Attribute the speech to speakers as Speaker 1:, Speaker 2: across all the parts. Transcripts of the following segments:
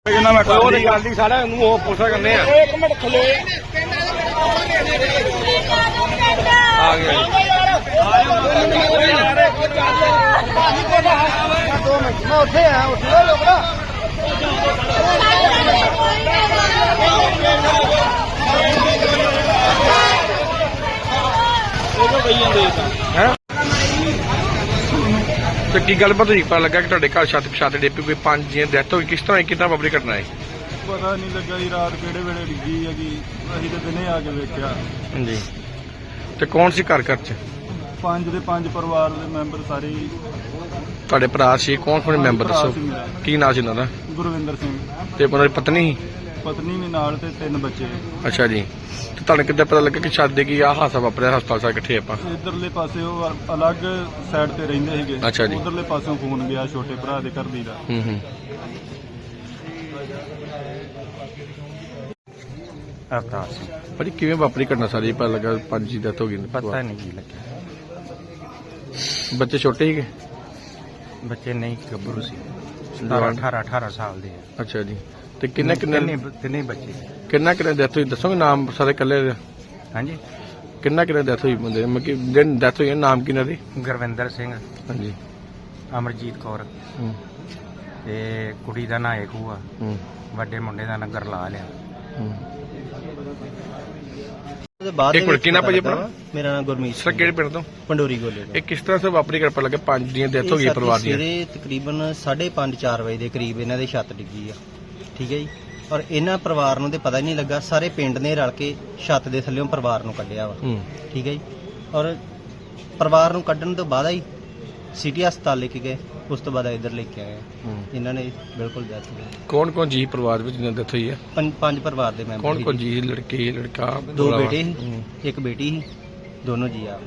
Speaker 1: ਸਾਰਾ ਉਹ ਪੁੱਛਾ ਕਰਨੇ ਆ। ਇੱਕ ਮਿੰਟ ਖਲੋ ਆ ਗਿਆ ਮੈਂ ਉੱਥੇ ਆ ਉੱਥੇ ਲੋਕੜਾ ਤੇ ਕੀ ਗੱਲਬਾਤ ਹੋਈ? ਪਤਾ ਲੱਗਾ ਕਿ ਤੁਹਾਡੇ ਘਰ ਛੱਤ ਡੇਪੀ ਕੋਈ 5 ਜੀਆਂ ਡੈਥ ਹੋ ਗਈ। ਕਿਸ ਤਰ੍ਹਾਂ ਕਿੰਨਾ ਵਾਪਰੀ ਘਟਨਾ ਹੈ?
Speaker 2: ਪਤਾ ਨਹੀਂ ਲੱਗਾ ਜੀ, ਰਾਤ ਕਿਹੜੇ ਵੇਲੇ ਡਿੱਗੀ ਹੈਗੀ, ਅਸੀਂ ਤਾਂ ਦਿਨੇ ਆ ਕੇ ਵੇਖਿਆ।
Speaker 1: ਹਾਂਜੀ, ਤੇ ਕੌਣ ਸੀ ਘਰ ਚ?
Speaker 2: 5 ਦੇ 5 ਪਰਿਵਾਰ ਦੇ ਮੈਂਬਰ ਸਾਰੇ ਹੀ।
Speaker 1: ਤੁਹਾਡੇ ਭਰਾ ਸੀ? ਕੌਣ ਮੈਂਬਰ
Speaker 2: ਭਰਾ
Speaker 1: ਦੱਸੋ,
Speaker 2: ਸੀ ਮੇਰਾ।
Speaker 1: ਕੀ ਨਾਂ ਸੀ ਉਹਨਾਂ ਦਾ?
Speaker 2: ਗੁਰਵਿੰਦਰ ਸਿੰਘ।
Speaker 1: ਤੇ ਉਹਨਾਂ ਦੀ ਪਤਨੀ ਸੀ?
Speaker 2: ਪਤਨੀ ਵੀ ਨਾਲ ਤੇ 3 ਬੱਚੇ।
Speaker 1: ਅੱਛਾ ਜੀ, ਤੇ ਤੁਹਾਨੂੰ ਕਿੱਦਾਂ ਪਤਾ ਲੱਗਾ ਕਿ ਛੱਤ ਦੇ ਕੀ ਆਹ ਹਾਦਸਾ ਵਾਪਰਿਆ? ਹਸਪਤਾਲ ਸਾਰੇ ਇਕੱਠੇ ਆਪਾਂ
Speaker 2: ਇਧਰਲੇ ਪਾਸੇ ਉਹ ਅਲੱਗ ਸਾਈਡ ਤੇ ਰਹਿੰਦੇ ਸੀਗੇ।
Speaker 1: ਅੱਛਾ ਜੀ।
Speaker 2: ਉਧਰਲੇ ਪਾਸੋਂ ਫੋਨ ਗਿਆ ਛੋਟੇ ਭਰਾ ਦੇ ਘਰ ਦੀ ਦਾ।
Speaker 3: ਅਵਤਾਰ ਸਿੰਘ।
Speaker 1: ਭਾਜੀ ਕਿਵੇਂ ਵਾਪਰੀ ਘਟਨਾ ਸਾਰੀ? ਪਤਾ ਲੱਗਾ 5 ਦੀ ਡੈਥ ਹੋ ਗਈ।
Speaker 3: ਪਤਾ ਨਹੀਂ ਕੀ ਲੱਗਿਆ।
Speaker 1: ਬੱਚੇ ਛੋਟੇ ਸੀਗੇ?
Speaker 3: ਬੱਚੇ ਨਹੀਂ, ਗੱਭਰੂ ਸੀ।
Speaker 1: ਜਵਾਨ?
Speaker 3: 18 ਸਾਲ ਦੇ ਆ।
Speaker 1: ਅੱਛਾ ਜੀ, ਤੇ ਕਿੰਨੇ
Speaker 3: ਤਿੰਨੇ ਬੱਚੇ।
Speaker 1: ਕਿੰਨਾ ਡੈਥ ਹੋਈ ਦੱਸੋਗੇ? ਨਾਮ ਸਾਰੇ ਇਕੱਲੇ?
Speaker 3: ਹਾਂਜੀ,
Speaker 1: ਕਿੰਨਾ ਡੈਥ ਹੋਈ ਬੰਦੇ? ਮਤਲਬ ਕਿ ਦਿਨ ਡੈਥ ਹੋਈ, ਨਾਮ ਕਿਹਨਾਂ ਦੀ?
Speaker 3: ਗੁਰਵਿੰਦਰ ਸਿੰਘ,
Speaker 1: ਹਾਂਜੀ।
Speaker 3: ਅਮਰਜੀਤ ਕੌਰ
Speaker 1: ਹੂੰ
Speaker 3: ਤੇ ਕੁੜੀ ਦਾ ਨਾਂ ਏਕੂ ਆ।
Speaker 1: ਹੂੰ
Speaker 3: ਵੱਡੇ ਮੁੰਡੇ ਦਾ ਨਾਂ ਗਰਲਾਲ ਆ।
Speaker 1: ਹੂੰ।
Speaker 4: ਇੱਕ
Speaker 1: ਮਿੰਟ, ਕਿਹਨਾਂ ਭਾਜੀ ਆਪਣਾ?
Speaker 4: ਮੇਰਾ ਨਾਮ ਗੁਰਮੀਤ
Speaker 1: ਸਰ
Speaker 4: ਸਿੰਘ,
Speaker 1: ਕਿਹੜੇ ਪਿੰਡ ਤੋਂ?
Speaker 4: ਪੰਡੋਰੀ ਗੋਲੇ ਤੋਂ।
Speaker 1: ਇਹ ਕਿਸ ਤਰ੍ਹਾਂ ਸੇ ਵਾਪਰੀ ਕਰ ਪਤਾ ਲੱਗਾ 5 ਦੀਆਂ ਡੈਥ ਹੋ ਗਈ ਪਰਿਵਾਰ ਦੀ?
Speaker 4: ਸਵੇਰੇ ਤਕਰੀਬਨ 5:30-4 ਵਜੇ ਦੇ ਕਰੀਬ ਇਹਨਾਂ ਦੇ ਛੱਤ ਡਿੱਗੀ ਆ। ਠੀਕ ਹੈ ਜੀ, ਔਰ ਇਹਨਾਂ ਪਰਿਵਾਰ ਨੂੰ ਤੇ ਪਤਾ ਹੀ ਨਹੀਂ ਲੱਗਾ। ਸਾਰੇ ਪਿੰਡ ਨੇ ਰਲ ਕੇ ਛੱਤ ਦੇ ਥੱਲੇੋਂ ਪਰਿਵਾਰ ਨੂੰ ਕੱਢਿਆ ਵਾ।
Speaker 1: ਹੂੰ।
Speaker 4: ਠੀਕ ਹੈ ਜੀ, ਔਰ ਪਰਿਵਾਰ ਨੂੰ ਕੱਢਣ ਤੋਂ ਬਾਅਦ ਹੀ ਸਿਟੀ ਹਸਪਤਾਲ ਲੈ ਕੇ ਗਏ। ਉਸ ਤੋਂ ਬਾਅਦ ਇੱਧਰ ਲੈ ਕੇ ਆਏ। ਇਹਨਾਂ ਨੇ ਬਿਲਕੁਲ ਡੈਥ ਹੋ ਗਈ।
Speaker 1: ਕੌਣ ਜੀ ਪਰਿਵਾਰ ਵਿੱਚ ਜਿਹਨਾਂ ਡੈਥ ਹੋਈ ਹੈ?
Speaker 4: 5 ਪਰਿਵਾਰ ਦੇ ਮੈਂਬਰ।
Speaker 1: ਕੌਣ ਜੀ? ਲੜਕੇ ਲੜਕਾ?
Speaker 4: 2 ਬੇਟੇ ਸੀ, 1 ਬੇਟੀ ਸੀ, ਦੋਨੋਂ ਜੀ ਆ।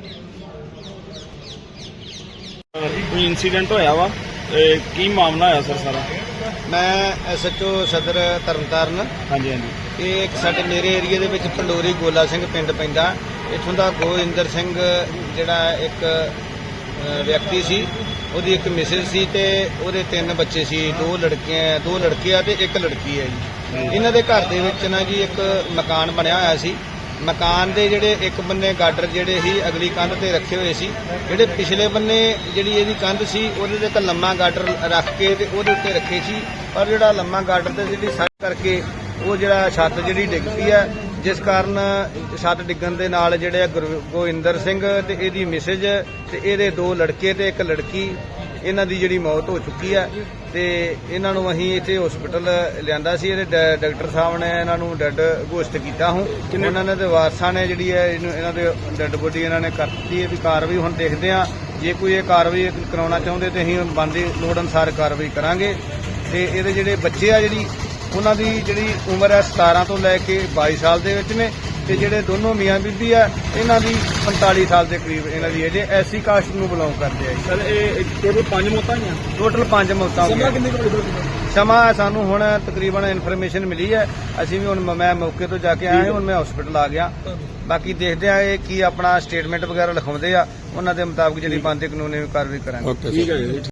Speaker 2: ਕੋਈ ਇਨਸੀਡੈਂਟ ਹੋਇਆ ਵਾ, ਕੀ ਮਾਮਲਾ ਹੋਇਆ ਸਰ ਸਾਰਾ?
Speaker 5: ਮੈਂ ਐਸਐਚਓ ਸਦਰ ਤਰਨਤਾਰਨ।
Speaker 2: ਹਾਂਜੀ ਹਾਂਜੀ।
Speaker 5: ਇਹ ਇੱਕ ਸਾਡੇ ਮੇਰੇ ਏਰੀਆ ਦੇ ਵਿੱਚ ਪੰਡੋਰੀ ਗੋਲਾ ਸਿੰਘ ਪਿੰਡ ਪੈਂਦਾ। ਇੱਥੋਂ ਦਾ ਗੋਇੰਦਰ ਸਿੰਘ ਜਿਹੜਾ ਇੱਕ ਵਿਅਕਤੀ ਸੀ, ਉਹਦੀ ਇੱਕ ਮਿਸਿਸ ਸੀ ਤੇ ਉਹਦੇ 3 ਬੱਚੇ ਸੀ। 2 ਲੜਕੇ ਆ ਤੇ 1 ਲੜਕੀ ਹੈ ਜੀ। ਇਹਨਾਂ ਦੇ ਘਰ ਦੇ ਵਿੱਚ ਨਾ ਜੀ ਇੱਕ ਮਕਾਨ ਬਣਿਆ ਹੋਇਆ ਸੀ। ਮਕਾਨ ਦੇ ਜਿਹੜੇ ਇੱਕ ਬੰਨੇ ਗਾਡਰ ਜਿਹੜੇ ਸੀ ਅਗਲੀ ਕੰਧ ਤੇ ਰੱਖੇ ਹੋਏ ਸੀ। ਜਿਹੜੇ ਪਿਛਲੇ ਬੰਨੇ ਜਿਹੜੀ ਇਹਦੀ ਕੰਧ ਸੀ ਉਹਦੇ ਤੇ ਇੱਕ ਲੰਮਾ ਗਾਡਰ ਰੱਖ ਕੇ ਤੇ ਉਹਦੇ ਉੱਤੇ ਰੱਖੇ ਸੀ। ਪਰ ਜਿਹੜਾ ਲੰਮਾ ਗਾਡਰ ਤੇ ਜਿਹੜੀ ਸੱਟ ਕਰਕੇ ਉਹ ਜਿਹੜਾ ਛੱਤ ਜਿਹੜੀ ਡਿੱਗ ਪਈ ਹੈ, ਜਿਸ ਕਾਰਨ ਛੱਤ ਡਿੱਗਣ ਦੇ ਨਾਲ ਜਿਹੜੇ ਗੋਇੰਦਰ ਸਿੰਘ ਤੇ ਇਹਦੀ ਮਿਸੇਜ ਤੇ ਇਹਦੇ 2 ਲੜਕੇ ਤੇ 1 ਲੜਕੀ, ਇਹਨਾਂ ਦੀ ਜਿਹੜੀ ਮੌਤ ਹੋ ਚੁੱਕੀ ਹੈ। ਤੇ ਇਹਨਾਂ ਨੂੰ ਅਸੀਂ ਇੱਥੇ ਹਸਪੀਟਲ ਲਿਆਂਦਾ ਸੀ। ਇਹਦੇ ਡਾਕਟਰ ਸਾਹਿਬ ਨੇ ਇਹਨਾਂ ਨੂੰ ਡੈੱਡ ਘੋਸ਼ਿਤ ਕੀਤਾ। ਉਹਨਾਂ ਨੇ ਤੇ ਵਾਰਸਾਂ ਨੇ ਜਿਹੜੀ ਹੈ ਇਹਨਾਂ ਦੇ ਡੈੱਡ ਬੋਡੀ ਇਹਨਾਂ ਨੇ ਕਰ ਦਿੱਤੀ ਹੈ। ਵੀ ਕਾਰਵਾਈ ਹੁਣ ਦੇਖਦੇ ਹਾਂ, ਜੇ ਕੋਈ ਇਹ ਕਾਰਵਾਈ ਕਰਾਉਣਾ ਚਾਹੁੰਦੇ ਤੇ ਅਸੀਂ ਬਣਦੀ ਲੋੜ ਅਨੁਸਾਰ ਕਾਰਵਾਈ ਕਰਾਂਗੇ। ਤੇ ਇਹਦੇ ਜਿਹੜੇ ਬੱਚੇ ਆ ਜਿਹੜੀ ਉਹਨਾਂ ਦੀ ਜਿਹੜੀ ਉਮਰ ਹੈ 17 ਤੋਂ ਲੈ ਕੇ 22 ਸਾਲ ਦੇ ਵਿੱਚ ਨੇ। ਤੇ ਜਿਹੜੇ ਦੋਨੋਂ ਮੀਆਂ ਬੀਬੀ ਆ ਇਹਨਾਂ ਦੀ 45 ਸਾਲ ਦੇ ਕਰੀਬ ਇਹਨਾਂ ਦੀ ਏਜ। ਐਸੀ ਕਾਸਟ ਨੂੰ ਬਿਲੋਂਗ ਕਰਦੇ ਆ ਜੀ।
Speaker 2: ਸਰ ਇਹ ਟੋਟਲ 5 ਮੌਤਾਂ ਹੋਈਆਂ?
Speaker 5: ਟੋਟਲ 5 ਮੌਤਾਂ ਹੋਈਆਂ। ਸਮਾਂ ਸਾਨੂੰ ਹੁਣ ਤਕਰੀਬਨ ਇਨਫੋਰਮੇਸ਼ਨ ਮਿਲੀ ਹੈ। ਅਸੀਂ ਵੀ ਹੁਣ ਮੈਂ ਮੌਕੇ ਤੋਂ ਜਾ ਕੇ ਆਇਆ। ਹੁਣ ਮੈਂ ਹਸਪੀਟਲ ਆ ਗਿਆ। ਬਾਕੀ ਦੇਖਦੇ ਆ ਇਹ ਕੀ ਆਪਣਾ ਸਟੇਟਮੈਂਟ ਵਗੈਰਾ ਲਿਖਾਉਂਦੇ ਆ, ਉਹਨਾਂ ਦੇ ਮੁਤਾਬਕ ਜਿਹੜੀ ਬਣਦੀ ਕਾਨੂੰਨੀ ਕਾਰਵਾਈ ਕਰਾਂਗੇ।
Speaker 1: ਓਕੇ।